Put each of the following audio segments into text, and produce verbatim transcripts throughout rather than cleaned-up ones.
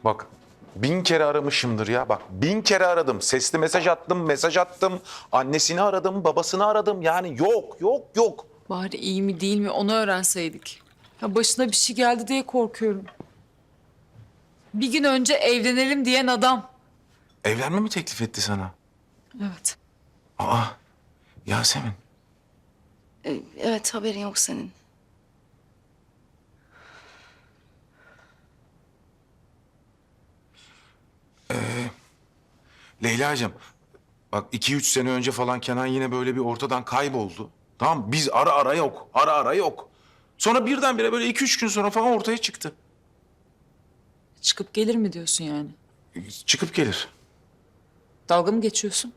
Bak bin kere aramışımdır ya. Bak bin kere aradım. Sesli mesaj attım, mesaj attım. Annesini aradım, babasını aradım. Yani yok, yok, yok. Bari iyi mi değil mi onu öğrenseydik. Ya başına bir şey geldi diye korkuyorum. Bir gün önce evlenelim diyen adam. Evlenme mi teklif etti sana? Evet. Aa, Yasemin. Ee, Evet, haberin yok senin. Leyla'cığım, bak iki üç sene önce falan Kenan yine böyle bir ortadan kayboldu. Tamam biz ara ara yok, ara ara yok. Sonra birdenbire böyle iki üç gün sonra falan ortaya çıktı. Çıkıp gelir mi diyorsun yani? Çıkıp gelir. Dalga mı geçiyorsun?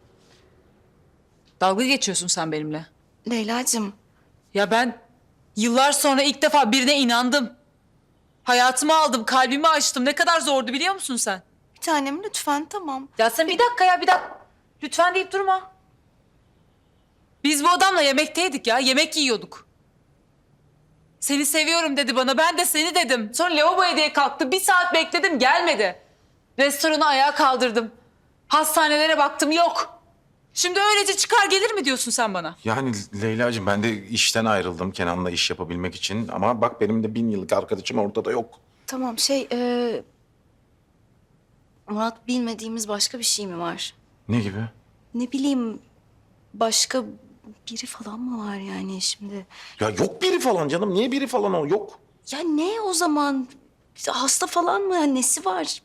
Dalga geçiyorsun sen benimle. Leyla'cığım, Ya ben yıllar sonra ilk defa birine inandım. Hayatımı aldım, kalbimi açtım. Ne kadar zordu biliyor musun sen? bir tanem lütfen, tamam. Ya sen bir dakika ya bir dakika. Lütfen deyip durma. Biz bu adamla yemekteydik ya. Yemek yiyorduk. Seni seviyorum dedi bana. Ben de seni dedim. Sonra lavaboya diye kalktı. Bir saat bekledim gelmedi. Restoranı ayağa kaldırdım. Hastanelere baktım yok. Şimdi öylece çıkar gelir mi diyorsun sen bana? Yani Leyla'cığım ben de işten ayrıldım Kenan'la iş yapabilmek için. Ama bak benim de bin yıllık arkadaşım ortada yok. Tamam, şey... E... Murat, bilmediğimiz başka bir şey mi var? Ne gibi? Ne bileyim, başka biri falan mı var yani şimdi? Ya yok biri falan canım. Niye biri falan o? Yok. Ya ne o zaman? Hasta falan mı? Yani nesi var?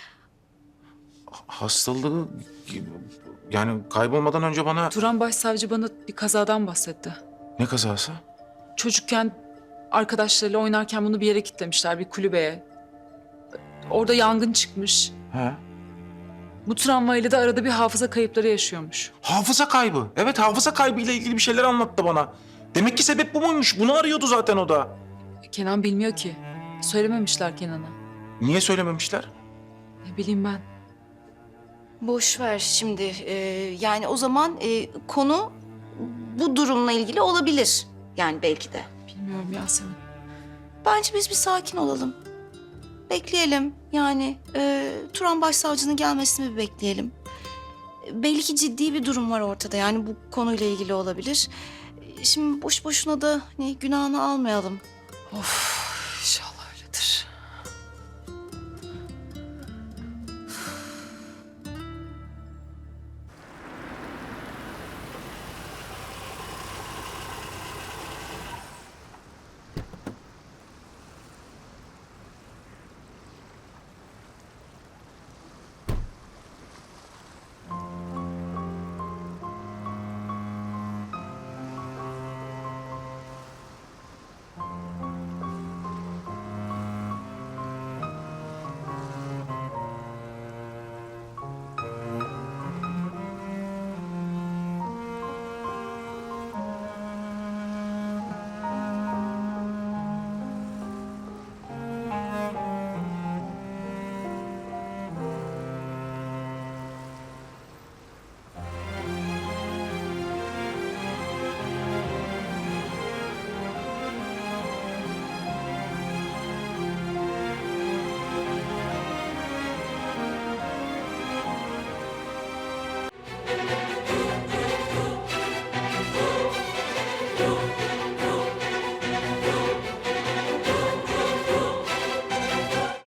Hastalığı yani kaybolmadan önce bana... Turan Başsavcı bana bir kazadan bahsetti. Ne kazası? Çocukken arkadaşlarıyla oynarken bunu bir yere kilitlemişler, bir kulübeye. Orada yangın çıkmış. He. Bu travmayla da arada bir hafıza kayıpları yaşıyormuş. Hafıza kaybı. Evet hafıza kaybı ile ilgili bir şeyler anlattı bana. Demek ki sebep bu muymuş? Bunu arıyordu zaten o da. Kenan bilmiyor ki. Söylememişler Kenan'a. Niye söylememişler? Ne bileyim ben. Boş ver şimdi. Ee, yani o zaman e, konu bu durumla ilgili olabilir. Yani belki de. Bilmiyorum Yasemin. Bence biz bir sakin olalım. Bekleyelim. Yani e, Turan Başsavcı'nın gelmesini bir bekleyelim. E, Belli ki ciddi bir durum var ortada. Yani bu konuyla ilgili olabilir. E, Şimdi boş boşuna da hani günahını almayalım. Of.